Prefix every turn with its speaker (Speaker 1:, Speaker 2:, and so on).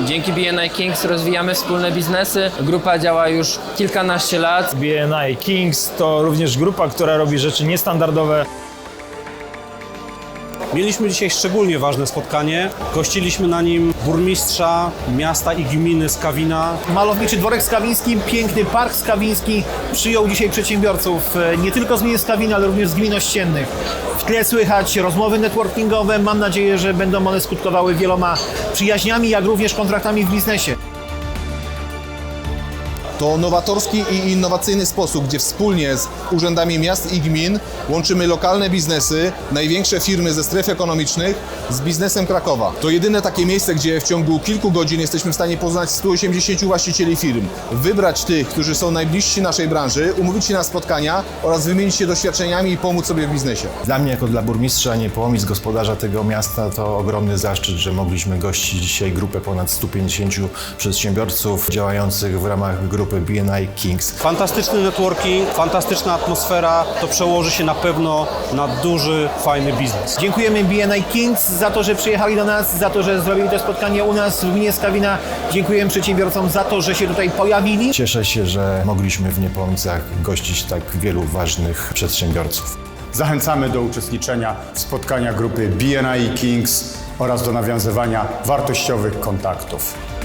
Speaker 1: Dzięki BNI Kings rozwijamy wspólne biznesy. Grupa działa już kilkanaście lat.
Speaker 2: BNI Kings to również grupa, która robi rzeczy niestandardowe.
Speaker 3: Mieliśmy dzisiaj szczególnie ważne spotkanie. Gościliśmy na nim burmistrza miasta i gminy Skawina.
Speaker 4: Malowniczy dworek skawiński, piękny park skawiński przyjął dzisiaj przedsiębiorców nie tylko z gminy Skawina, ale również z gmin ościennych. W tle słychać rozmowy networkingowe. Mam nadzieję, że będą one skutkowały wieloma przyjaźniami, jak również kontraktami w biznesie.
Speaker 5: To nowatorski i innowacyjny sposób, gdzie wspólnie z urzędami miast i gmin łączymy lokalne biznesy, największe firmy ze stref ekonomicznych z biznesem Krakowa. To jedyne takie miejsce, gdzie w ciągu kilku godzin jesteśmy w stanie poznać 180 właścicieli firm, wybrać tych, którzy są najbliżsi naszej branży, umówić się na spotkania oraz wymienić się doświadczeniami i pomóc sobie w biznesie.
Speaker 6: Dla mnie jako dla burmistrza Niepołomic, gospodarza tego miasta, to ogromny zaszczyt, że mogliśmy gościć dzisiaj grupę ponad 150 przedsiębiorców działających w ramach grupy BNI Kings.
Speaker 3: Fantastyczny networking, fantastyczna atmosfera. To przełoży się na pewno na duży, fajny biznes.
Speaker 4: Dziękujemy BNI Kings za to, że przyjechali do nas, za to, że zrobili to spotkanie u nas w gminie Skawina. Dziękujemy przedsiębiorcom za to, że się tutaj pojawili.
Speaker 6: Cieszę się, że mogliśmy w Niepołomicach gościć tak wielu ważnych przedsiębiorców.
Speaker 7: Zachęcamy do uczestniczenia w spotkaniach grupy BNI Kings oraz do nawiązywania wartościowych kontaktów.